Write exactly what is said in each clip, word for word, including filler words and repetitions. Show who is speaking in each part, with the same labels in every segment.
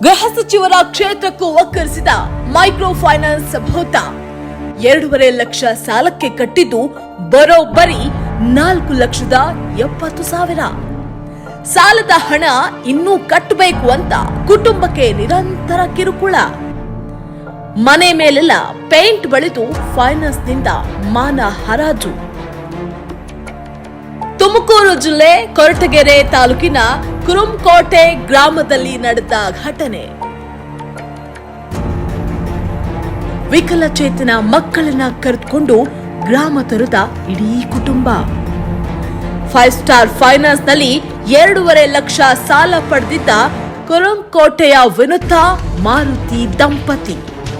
Speaker 1: ಗೃಹ ಸಚಿವರ ಕ್ಷೇತ್ರಕ್ಕೂ ಒಕ್ಕರಿಸಿದ ಮೈಕ್ರೋ ಫೈನಾನ್ಸ್ ಭೂತ ಎರಡೂವರೆ ಲಕ್ಷ ಸಾಲಕ್ಕೆ ಕಟ್ಟಿದ್ದು ಬರೋಬ್ಬರಿ ನಾಲ್ಕು ಲಕ್ಷದ ಎಪ್ಪತ್ತು ಸಾವಿರ. ಸಾಲದ ಹಣ ಇನ್ನೂ ಕಟ್ಟಬೇಕು ಅಂತ ಕುಟುಂಬಕ್ಕೆ ನಿರಂತರ ಕಿರುಕುಳ. ಮನೆ ಮೇಲೆಲ್ಲ ಪೇಂಟ್ ಬಳಿದು ಫೈನಾನ್ಸ್ನಿಂದ ಮಾನ ಹರಾಜು. ತುಮಕೂರು ಜಿಲ್ಲೆ ಕೊರಟಗೆರೆ ತಾಲೂಕಿನ ಕುರುಂಕೋಟೆ ಗ್ರಾಮದಲ್ಲಿ ನಡೆದ ಘಟನೆ. ವಿಕಲಚೇತನ ಮಕ್ಕಳನ್ನ ಕರೆದುಕೊಂಡು ಗ್ರಾಮ ತೊರೆದ ಇಡೀ ಕುಟುಂಬ. ಫೈವ್ ಸ್ಟಾರ್ ಫೈನಾನ್ಸ್ ನಲ್ಲಿ ಎರಡೂವರೆ ಲಕ್ಷ ಸಾಲ ಪಡೆದಿದ್ದ ಕುರುಂಕೋಟೆಯ ವಿನುತಾ ಮಾರುತಿ ದಂಪತಿ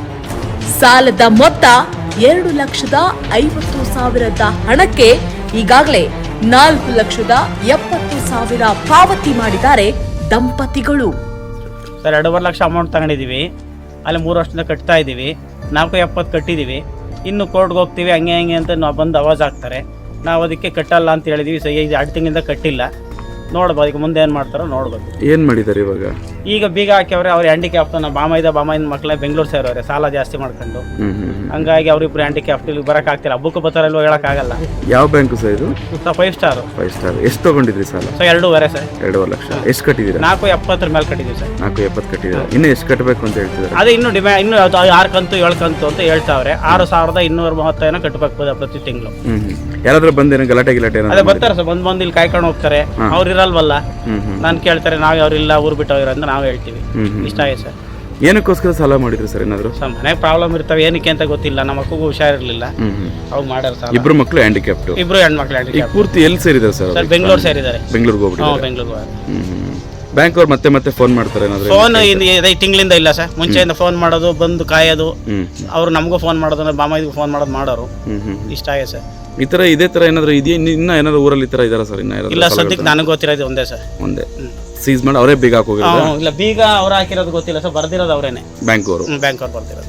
Speaker 1: ಸಾಲದ ಮೊತ್ತ ಎರಡು ಲಕ್ಷದ ಐವತ್ತು ಸಾವಿರದ ಹಣಕ್ಕೆ ಈಗಾಗಲೇ ನಾಲ್ಕು ಲಕ್ಷದ ಎಪ್ಪತ್ತು ಸಾವಿರ ಪಾವತಿ ಮಾಡಿದ್ದಾರೆ ದಂಪತಿಗಳು.
Speaker 2: ಸರ್ ಎರಡೂವರೆ ಲಕ್ಷ ಅಮೌಂಟ್ ತಗೊಂಡಿದ್ದೀವಿ, ಅಲ್ಲಿ ಮೂರು ವರ್ಷದಿಂದ ಕಟ್ತಾ ಇದ್ದೀವಿ, ನಾಲ್ಕು ಎಪ್ಪತ್ತು ಕಟ್ಟಿದ್ದೀವಿ. ಇನ್ನು ಕೋರ್ಟ್ಗೆ ಹೋಗ್ತೀವಿ ಹಂಗೆ ಹಂಗೆ ಅಂತ ನಾವು ಬಂದು ಅವಾಜ್ ಹಾಕ್ತಾರೆ. ನಾವು ಅದಕ್ಕೆ ಕಟ್ಟಲ್ಲ ಅಂತ ಹೇಳಿದ್ವಿ. ಸೊ ಈಗ ಎರಡು ತಿಂಗಳಿಂದ ಕಟ್ಟಿಲ್ಲ. ನೋಡ್ಬೋದು ಈಗ ಮುಂದೆ ಏನು ಮಾಡ್ತಾರೋ ನೋಡ್ಬೋದು.
Speaker 3: ಏನು ಮಾಡಿದ್ದಾರೆ ಇವಾಗ?
Speaker 2: ಈಗ ಬೀಗ ಹಾಕ್ಯವ್ರೆ. ಅವ್ರು ಹ್ಯಾಂಡಿಕ್ಯಾಫ್ಟ್ ನಮ್ಮ ಬಾಮೈದ ಬಾಮೈದ ಮಕ್ಕಳೇ ಬೆಂಗಳೂರು ಸೇರೋರೆ ಸಾಲ ಜಾಸ್ತಿ ಮಾಡ್ಕೊಂಡು. ಹಂಗಾಗಿ ಅವ್ರಿಬ್ರು ಹ್ಯಾಂಡಿಕ್ಯಾಫ್ಟ್ ಇಲ್ಲಿ ಬರೋಕ್ಕಾಗ್ತಿಲ್ಲ. ಹಬ್ಬಕ್ಕೂ ಬರ್ತಾರಲ್ವ ಹೇಳೋಕ್ಕಾಗಲ್ಲ.
Speaker 3: ಯಾವ ಬ್ಯಾಂಕು ಸರ್ ಇದು?
Speaker 2: Sir five star.
Speaker 3: Five star. ಎಷ್ಟು ತೊಗೊಂಡಿದ್ರಿ ಸಾಲ?
Speaker 2: ಸೊ ಎರಡೂವರೆ ಸರ್.
Speaker 3: ಎರಡೂವರೆ ಲಕ್ಷ. ಎಷ್ಟು ಕಟ್ಟಿದ್ದೀರಾ?
Speaker 2: ನಾಲ್ಕು ಎಪ್ಪತ್ತರ ಮೇಲೆ ಕಟ್ಟಿದ್ದೀವಿ ಸರ್.
Speaker 3: ನಾಲ್ಕು ಎಪ್ಪತ್ತು ಕಟ್ಟಿದ್ದೀರಾ. ಇನ್ನು ಎಷ್ಟು ಕಟ್ಟಬೇಕು ಅಂತ ಹೇಳ್ತಿದ್ದಾರೆ?
Speaker 2: ಅದೇ ಇನ್ನೂ ಡಿಮ್ಯಾಂಡ್ ಇನ್ನೂ ಆರು ಕಂತು ಏಳು ಕಂತು ಅಂತ ಹೇಳ್ತಾವ್ರೆ. ಆರು ಸಾವಿರದ ಇನ್ನೂರ ಮೂವತ್ತೈನ ಕಟ್ಟಬೇಕು ಪ್ರತಿ ತಿಂಗಳು.
Speaker 3: ಹ್ಮ್ ಹ್ಮ್ ಯಾರಾದ್ರೂ ಬಂದೇನೋ ಗಲಾಟೆ ಗಿಲಾಟೆ
Speaker 2: ಅದೇ ಬರ್ತಾರೆ ಸರ್. ಬಂದ್ ಬಂದು ಇಲ್ಲಿ ಕಾಯ್ಕೊಂಡು ಹೋಗ್ತಾರೆ. ಅವ್ರು ಇರಲ್ವಲ್ಲ, ನಾನು ಕೇಳ್ತಾರೆ ನಾವು ಅವ್ರಿಲ್ಲ ಊರು ಬಿಟ್ಟು ಹೋಗಿರೋ ಅಂತ ನಾವು ಹೇಳ್ತೀವಿ. ಇಷ್ಟ ಆಗಿದೆ ಸರ್.
Speaker 3: ಏನಕ್ಕೋಸ್ಕರ ಸಾಲ ಮಾಡಿದ್ರು ಸರ್? ಏನಾದ್ರು
Speaker 2: ಸರ್ ಮನೆಗೆ ಪ್ರಾಬ್ಲಮ್ ಇರ್ತವೆ, ಏನಕ್ಕೆ ಅಂತ ಗೊತ್ತಿಲ್ಲ. ನಮ್ಮ ಮಕ್ಕಳಿಗೂ ಹುಷಾರಿರ್ಲಿಲ್ಲ, ಅವಾಗ ಮಾಡ್ಯಾರ ಸರ್.
Speaker 3: ಇಬ್ರು ಮಕ್ಕಳು ಹ್ಯಾಂಡಿಕ್ಯಾಪ್ಟ್.
Speaker 2: ಇಬ್ರು ಹೆಣ್ಮಕ್ಳು ಹ್ಯಾಂಡಿಕ್ಯಾಪ್ಟ್.
Speaker 3: ಪೂರ್ತಿ ಎಲ್ಲಿ ಸೇರಿದ್ದಾರೆ ಸರ್?
Speaker 2: ಸರ್ ಬೆಂಗಳೂರು ಸೇರಿದ್ದಾರೆ.
Speaker 3: ಬೆಂಗಳೂರಿಗೆ ಹೋಗ್ಬಿಟ್ಟು
Speaker 2: ಬೆಂಗಳೂರು
Speaker 3: ಬ್ಯಾಂಕ್ ಅವ್ರು ಮತ್ತೆ ಮತ್ತೆ ಫೋನ್ ಮಾಡ್ತಾರೆ ಏನಾದ್ರು?
Speaker 2: ಫೋನ್ ಐದು ತಿಂಗಳಿಂದ ಇಲ್ಲ ಸರ್. ಮುಂಚೆಯಿಂದ ಫೋನ್ ಮಾಡೋದು, ಬಂದು ಕಾಯೋದು, ಅವ್ರು ನಮಗೂ ಫೋನ್ ಮಾಡೋದು, ಬಾಮೈದಿಗೂ ಫೋನ್ ಮಾಡೋದು ಮಾಡೋರು. ಇಷ್ಟ ಆಗಿದೆ ಸರ್.
Speaker 3: ಈ ತರ ಇದೇ ತರ ಏನಾದ್ರು ಇದೆಯಾ? ಇನ್ನ ಏನಾದ್ರು ಊರಲ್ಲಿ ಈ ತರ ಇದಾರ ಸರ್? ಇನ್ನ
Speaker 2: ಇಲ್ಲ ಸದ್ಯಕ್ಕೆ ನನಗೆ ಗೊತ್ತಿರೋದು ಒಂದೇ ಸರ್.
Speaker 3: ಒಂದೇ ಸೀಸ್ ಮಾಡಿ ಅವರೇ ಬೀಗ ಹಾಕೋಗಿರೋದು?
Speaker 2: ಇಲ್ಲ ಬೀಗ ಅವ್ರು ಹಾಕಿರೋದು ಗೊತ್ತಿಲ್ಲ ಸರ್. ಬರ್ದಿರೋದು ಅವರೇನೆ,
Speaker 3: ಬ್ಯಾಂಕ್ ಅವರು.
Speaker 2: ಬ್ಯಾಂಕ್ ಅವ್ರು ಬರ್ದಿರೋದು.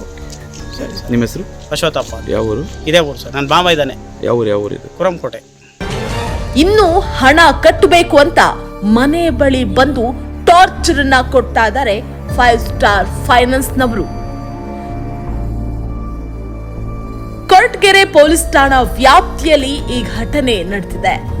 Speaker 3: ಸರಿ ಸರ್. ನಿಮ್ಮ ಹೆಸರು?
Speaker 2: ಅಶ್ವಥಪ್ಪ.
Speaker 3: ಯಾವ ಊರು?
Speaker 2: ಇದೇ ಊರು ಸರ್. ನನ್ನ ಬಾಮ ಇದ್ದಾನೆ.
Speaker 3: ಯಾವ ಊರು? ಯಾವ ಊರು ಇದು?
Speaker 2: ಕುರುಂಕೋಟೆ.
Speaker 1: ಇನ್ನು ಹಣ ಕಟ್ಟಬೇಕು ಅಂತ ಮನೆ ಬಳಿ ಬಂದು ಟಾರ್ಚರ್ ಅನ್ನ ಕೊಡ್ತಾ ಇದ್ದಾರೆ ಫೈವ್ ಸ್ಟಾರ್ ಫೈನಾನ್ಸ್ ನವರು. ಕೊರಟಗೆರೆ ಪೊಲೀಸ್ ಠಾಣಾ ವ್ಯಾಪ್ತಿಯಲ್ಲಿ ಈ ಘಟನೆ ನಡೆದಿದೆ.